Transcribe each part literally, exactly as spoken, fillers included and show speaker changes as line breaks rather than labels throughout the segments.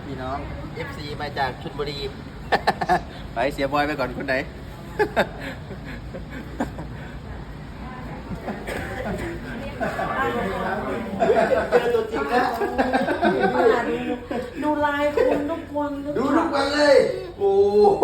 พี่น้อง เอฟ ซี มาจากชลบุรี ไปเสียบอยไปก่อนคนไหน เจอตัวจริงแล้ว
ดูไลน์คุณทุกคน
ดูทุกวันเลย โอ้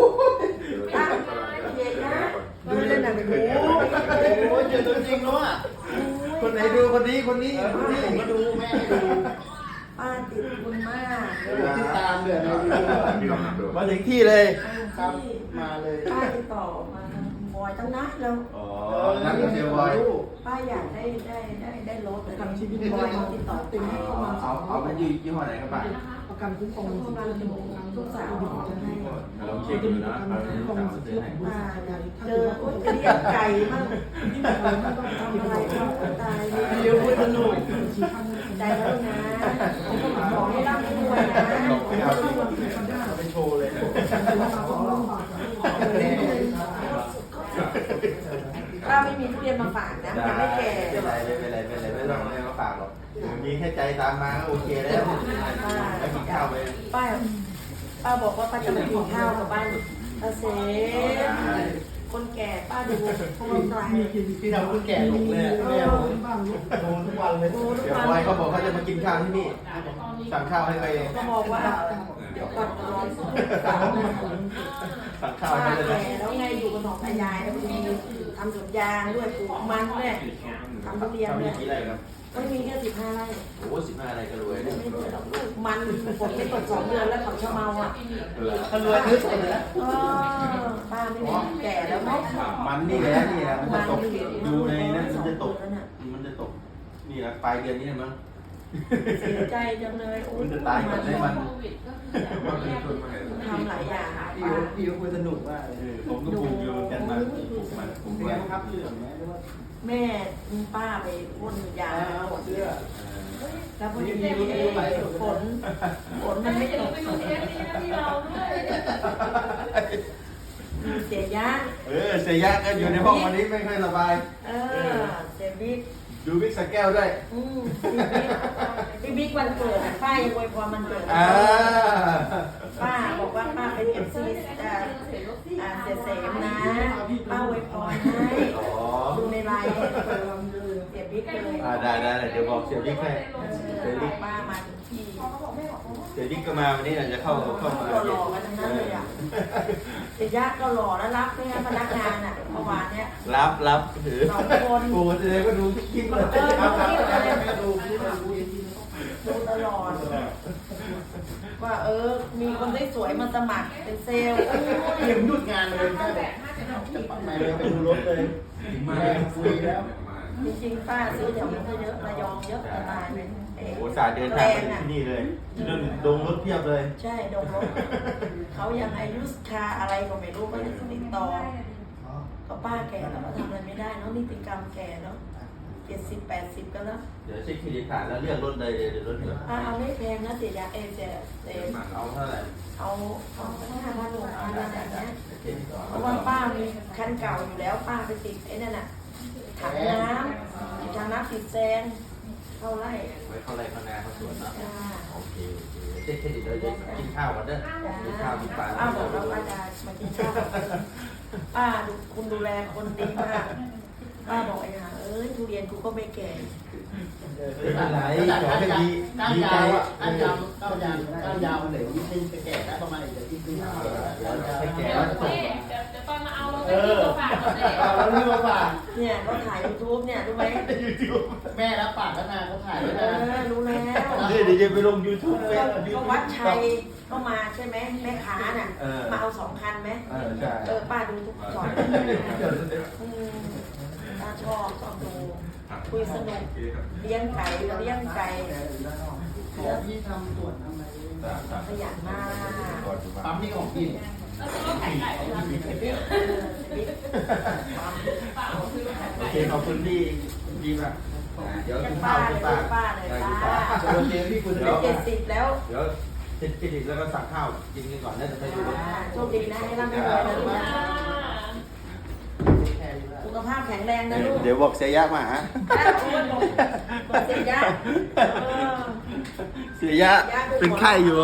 เย็นนะ
ดูเล่นหนังโอ้โหเจอตัวจริงแล้วอ่ะ คนไหนดูคนนี้คนนี้คนนี้ผมก็ดูแม่ให้ดู
ป้าติดคุณมาก
ติดตามเลยมาถึงที่เลยครับมาเลย
ป้าติดต่อมาบอยตั้งนานแล้ว
อ๋อนักเสียบอย
ป้าอยากได้ได้ได้ได้รถทำชีวิตบอยมาติดต่อติดให้เขามา
เอาเอาเป็นยี่ยี่ห้อไหนครับป้า
ประกันคุ้มครอง
เขามาดูลูกสาวจะให้
ลองเช็คดูนะ
คุ้มครองซื้อให้
ป้าเจออุ้ยเรียกไก่มั่งทำอะไรเขาตายเลย
เดี๋ยวพูดสนุก
ใจแล้วนะขอให้ร่ำให้รวยนะ
ไปโชว์เลย
ป้าไม่มีทุเรียนมาฝากนะยังไม่แก่
ไม่เป็นไรไม่เป็นไรไม่เป็นไรไม่ต้องไม่ต้องฝากหรอกมีแค่ใจตามมาก็โอเคแล้วไปกินข้าวไป
ป้าป้าบอกว่าป้าจะมากินข้าวกับบ้านตาเสคนแก่ป้าดูพวกเราไกล
พี่ทำคนแก่ลงเลยแม่ผมดูทุกวันเลยเดี๋ยวบอยเขาบอกเขาจะมากินข้าวที่นี่สั่งข้าวให้ไปเอง
ก็บอกว่าเดี๋ยวก่อนรอสาวมาถึง
สั่งข้าว
ป้า
ให้เลย
แก่
นะ
แล้วไงอยู่กับหนองตายายแล้วมีทำสวนยางด้วยปลูกมันด้วยทำทุเรียน
ทำ
ด้ว
กี่
ย
ไร่ครับ
ไม่มีแค่สิบห้าไร่
โอ้สิบห้าไร่ก็รวยเลย
ไม่เหลือหรอกลูกมันฝนไม่ตกสองเดือนแล้วเขาจะเมาอ่ะ
ถ้ารวยซื้อสดเลยนะ
เออป้าไม่มีแก่แล้วเนาะ
มันนี่แหละนี่แหละมันจะตกดูในนั้นมันจะตกมันจะตกนี่แหละปลายเดือนนี้มั้ง
เสียใจจังเลยโอ้
มันจะตายก่อนได้มัน
ทำหลายอย่างอ่ะ
พี่พี่ก็คุยสนุกมากเลยผมก็ปลูกอยู่กันมาปลูกมันผมก็ครับเหลืองไหมหรือว่า
แม่ป้าไปพ่นยาหมดเลยแล้วพอดีฝนฝนมันไม่ตกเสียยะ
เออเสียยะก็อยู่ในห้องวันนี้ไม่ค่อยสบาย
เออเสียบิ๊ก
ดูบิ๊กสแก้วด้วย
อืมพี่บิ๊กวันเกิดป้ายังอวยพรมันเกิด
อ่า
ป้าบอกว่าป้าเป็นเอฟซีอ่าอ่าเสียเสมนะป้าอวยพรให้
อ๋อ
ดูในไลน์เสียบิ๊กเลย
อ่าได้ได้เดี๋ยวบอกเสียบิ๊กให้เสียบิ๊ก
ป้ามาถึงที่
เสียบิ๊กก็มาวันนี้จะเข้าเข้ามา
หล่อๆกันทั้งนั้นเลยอ่ะเสียยะก็หล่อแล้วรับด้วยนะพนักงานอ่ะเมื่อวานเนี้ย
รับรับถือ
สองคน
โอ้แสดงก็ดูทุกคลิปเลย
เออดูคลิปเลย
ดู
ดูตลอดว่าเออ มีคนได้สวยๆมาสมัครเป็นเซลล์
เตรียมหยุดงานเลยจะปักไหนเลยไปดูรถเลยมาคุยแล้ว
จริงๆป้าซื้อแถวนั้นก็เยอะระยองเยอะตายเลยเอ๊ะ
โอ้สาเดินทางมาที่นี่เลยดงรถเพียบเลย
ใช่ดงรถเขายังอายุคาอะไรก็ไม่รู้ก็ยังติดต่อก็ป้าแก่แล้วก็ทำอะไรไม่ได้เนาะนิติกรรมแก่แล้วเจ็ดสิบแปดสิบก็แล้ว
เดี๋ยวเช็คเครดิตผ่านแล้วเรียกรถเลยเดี๋ยวรถเหลือ
ป้าเอาไม่แพงนะเสียยาเอเจเอ
เอาเท่าไหร่
เอาเอาห้าพันหกพันอะไรอย่างเงี้ยเพราะว่าป้ามีคันเก่าอยู่แล้วป้าไปติดไอ้นั่นน่ะถังน้ำถังน้ำติดแซงเข้าไร่
ไว้เข้าไรเข้านาเข้าสวนเนาะ
จ้า
โอเคโอเคเช็คเครดิตเลยเดี๋ยวกินข้าวก่อนเด้อกินข้าวกินปลา
ป้าบอกว่าป้าจะมากินข้าวป้าดูคุณดูแลคนดีมากป้าบอกไอ้ห่าเอ้ยทุเรียนกูก็ไม่แก่
ไม่เป็นไรขอให้ดีดีใจอ่ะ
ก้านยาวก้านยาวก้านยาวมันเหลือยี่สิบจะแก่แล้วประมาณเดี๋ยวที่ปีหน้า
ให้แก่แล้วจะตก
เดี๋ยวเดี๋ยวตอนมาเอาเราไปที่ตัวฝากเขาเลย
เอาแล้วเรื่องมาฝาก
เนี่ยก็ถ่ายยูทูบเนี่ยรู้ไหม
แม่รับปากแล้วนะเขาถ่ายไว้
เอ
นะ
อรู้แล้ว
เดี๋ยวจะไปลงยูทูบ
เอ
เฟ
อ
ซ
ก็วัดชัยก็มาใช่ไหมแม่ค้าน่ะมาเอาสองคันไหม
เออใช่
เออป้าดูทุกสอนอืมป้าชอบชอบดูคุยสนุกเลี้ยงไก่เลี้ยงไก่
ขอที่ทำตรวจทำอะไร
ขยันมาก
ปั๊มนี่ของกิน
แล้วก็ไข่ไก่ของเรา
เออชีวิต
โอเคขอบคุณพี่ดีมากเดี๋ยว
ยั
กิ
ง
น
ป้า
ข้าว
เล
กิ
ย
นปลา
ป้าเลยป้า
โอเคพี่คุณ
เป็
เดี๋ย
น
ว
เจ็ดสิบแล้ว
เดี๋ยวเสร็จเครดิตแล้วก็สั่งข้าวกินกันก่อนแล้วจะไปดูรถ
โชคดีนะให้ร่ำให้รวยนะลูกนะสุขภาพแข็งแรงนะลูก
เดี๋ยวบอกเสียยะมาหา
อ้าวโอ้ยบอกบอกเสียยะเออ
เสียยะเป็นไข้อยู่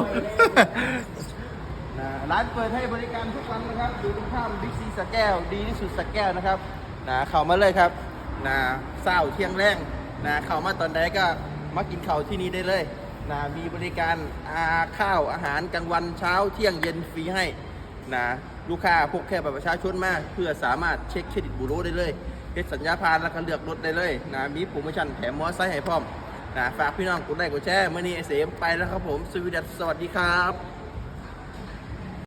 นะร้านเปิดให้บริการทุกวันนะครับอยู่ตรงข้ามบิ๊กซีสระแก้วดีที่สุดสระแก้วนะครับนะเข้ามาเลยครับนะเศร้าเที่ยงแรงนะเข้ามาตอนใดก็มากินข้าวที่นี่ได้เลยนะมีบริการอาข้าวอาหารกลางวันเช้าเที่ยงเย็นฟรีให้นะลูกค้าพกแค่บัตรประชาชนมาเพื่อสามารถเช็คเครดิตบูโรได้เลยเฮ็ดสัญญาผ่านแล้วก็เลือกรถได้เลยนะมีโปรโมชั่นแถมมอเตอร์ไซค์ให้พร้อมนะฝากพี่น้องกดไลค์กดแชร์เมื่อนี้ไอเสมไปแล้วครับผมสวัสดีสวัสดีครับ